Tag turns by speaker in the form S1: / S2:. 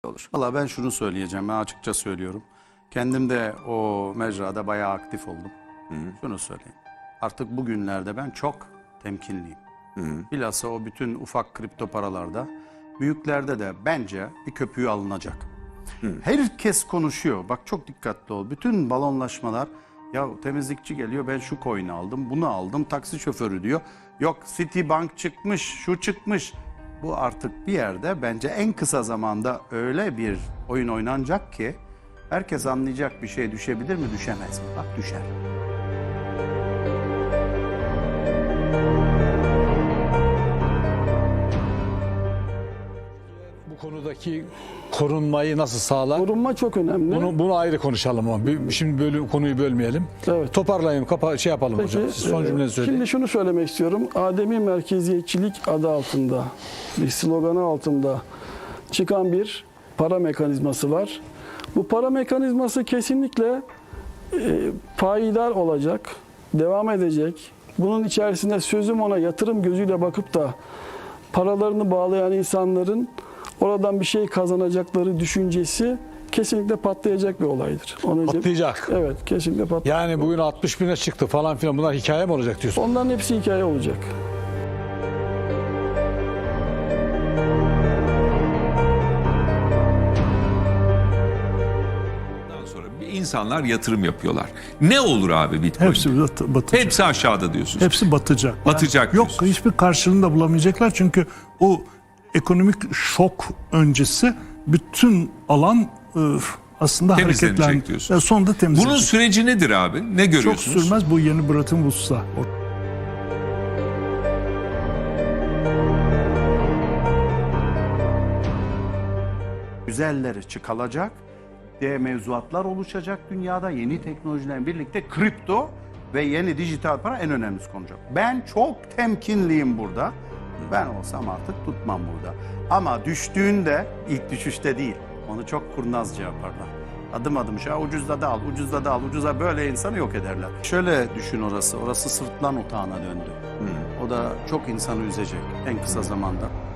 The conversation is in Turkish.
S1: olur.
S2: Valla ben şunu söyleyeceğim, ben açıkça söylüyorum. Kendim de o mecrada bayağı aktif oldum. Şunu söyleyeyim. Artık bugünlerde ben çok temkinliyim. Bilhassa o bütün ufak kripto paralarda, büyüklerde de bence bir köpüğü alınacak. Herkes konuşuyor. Bak çok dikkatli ol. Bütün balonlaşmalar, ya temizlikçi geliyor, ben şu coin'i aldım, bunu aldım, taksi şoförü diyor. Yok Citibank çıkmış, şu çıkmış. Bu artık bir yerde bence en kısa zamanda öyle bir oyun oynanacak ki herkes anlayacak, bir şey düşebilir mi, düşemez mi? Bak düşer.
S3: Bu konudaki korunmayı nasıl sağlar?
S4: Korunma çok önemli.
S3: Bunu ayrı konuşalım ama şimdi konuyu bölmeyelim.
S4: Evet.
S3: Toparlayayım, şey yapalım
S4: Peki,
S3: hocam. Siz son cümlenizi söyleyin.
S4: Şimdi şunu söylemek istiyorum. Ademi merkeziyetçilik adı altında, bir sloganı altında çıkan bir para mekanizması var. Bu para mekanizması kesinlikle payidar olacak, devam edecek. Bunun içerisinde sözüm ona yatırım gözüyle bakıp da paralarını bağlayan insanların oradan bir şey kazanacakları düşüncesi kesinlikle patlayacak bir olaydır.
S3: Patlayacak.
S4: Evet, kesinlikle patlayacak.
S3: Yani bugün 60 bine çıktı falan filan, bunlar hikaye mi olacak diyorsun?
S4: Onların hepsi hikaye olacak.
S5: Ondan sonra insanlar yatırım yapıyorlar. Ne olur abi Bitcoin?
S6: Hepsi batacak.
S5: Hepsi aşağıda diyorsunuz.
S6: Hepsi batacak.
S5: Batacak
S6: Yok,
S5: diyorsunuz.
S6: hiçbir karşılığını da bulamayacaklar çünkü o ekonomik şok öncesi bütün alan aslında
S5: Temizlenecek
S6: hareketlendi.
S5: diyorsun.
S6: Sonunda temizlenecek.
S5: Bunun süreci nedir abi? Ne
S6: çok
S5: görüyorsunuz?
S6: sürmez, bu yeni Bretton Woods'la.
S2: Güzelleri çıkılacak, mevzuatlar oluşacak dünyada, yeni teknolojilerle birlikte kripto ve yeni dijital para en önemlisi konacak. Ben çok temkinliyim burada. Ben olsam artık tutmam burada. Ama düştüğünde ilk düşüşte değil. Onu çok kurnazca yaparlar. Adım adım ucuzda da al, ucuzda da al, ucuza böyle insanı yok ederler. Şöyle düşün orası sırtlan otağına döndü. O da çok insanı üzecek en kısa zamanda.